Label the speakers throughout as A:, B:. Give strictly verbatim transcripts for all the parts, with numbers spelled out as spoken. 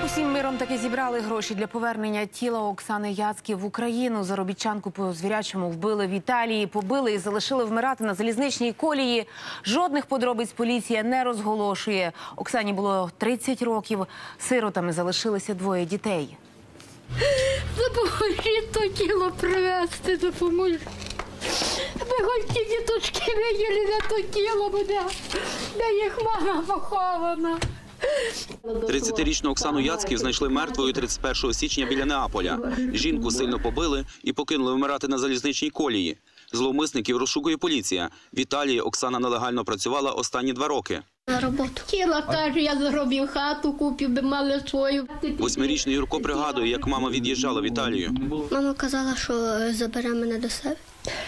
A: Усім миром таки зібрали гроші для повернення тіла Оксани Яцьків в Україну. Заробітчанку по звірячому вбили в Італії, побили і залишили вмирати на залізничній колії. Жодних подробиць поліція не розголошує. Оксані було тридцять років. Сиротами залишилися двоє дітей.
B: Допоможіть то тіло привезти, допоможіть. Ми хоч ті діточки виділи на то тіло буде, де їх мама похована.
C: тридцятирічну Оксану Яцьків знайшли мертвою тридцять першого січня біля Неаполя. Жінку сильно побили і покинули вмирати на залізничній колії. Зловмисників розшукує поліція. В Італії Оксана нелегально працювала останні два роки.
B: На роботу. Тіло теж я зробив хату, купив, би мали свою.
C: Восьмирічний Юрко пригадує, як мама від'їжджала в Італію.
D: Мама казала, що забере мене до себе.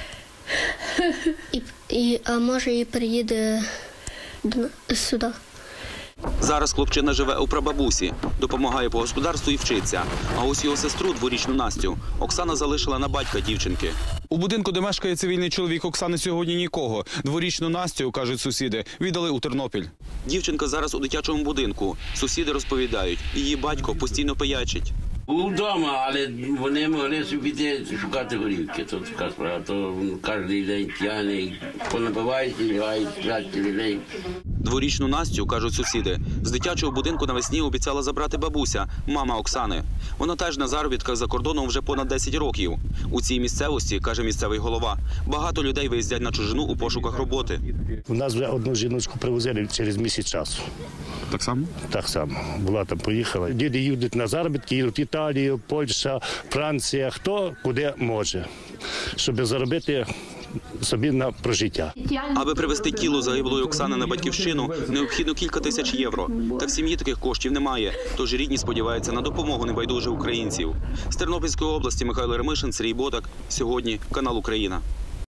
D: І, і а може і приїде до, сюди.
C: Зараз хлопчина живе у прабабусі, допомагає по господарству і вчиться. А ось його сестру, дворічну Настю, Оксана залишила на батька дівчинки.
E: У будинку, де мешкає цивільний чоловік Оксани, сьогодні нікого. Дворічну Настю, кажуть сусіди, віддали у Тернопіль.
C: Дівчинка зараз у дитячому будинку. Сусіди розповідають, її батько постійно пиячить.
F: Був вдома, але вони могли собі піти шукати горівки. То така справа, то кожен день п'яний, понабивають, лягають, сплять людей.
C: Дворічну Настю, кажуть сусіди, з дитячого будинку навесні обіцяла забрати бабуся, мама Оксани. Вона теж на заробітках за кордоном вже понад десять років. У цій місцевості, каже місцевий голова, багато людей виїздять на чужину у пошуках роботи.
G: У нас вже одну жіночку привозили через місяць часу.
E: Так само?
G: Так само. Була там, поїхала. Діти їдуть на заробітки, їдуть в Італію, Польща, Франція, хто куди може, щоб заробити собі на прожиття.
C: Аби привезти тіло загиблої Оксани на батьківщину, необхідно кілька тисяч євро. Та в сім'ї таких коштів немає, тож рідні сподіваються на допомогу небайдужих українців. З Тернопільської області Михайло Ремишин, Сергій Ботак. Сьогодні канал Україна.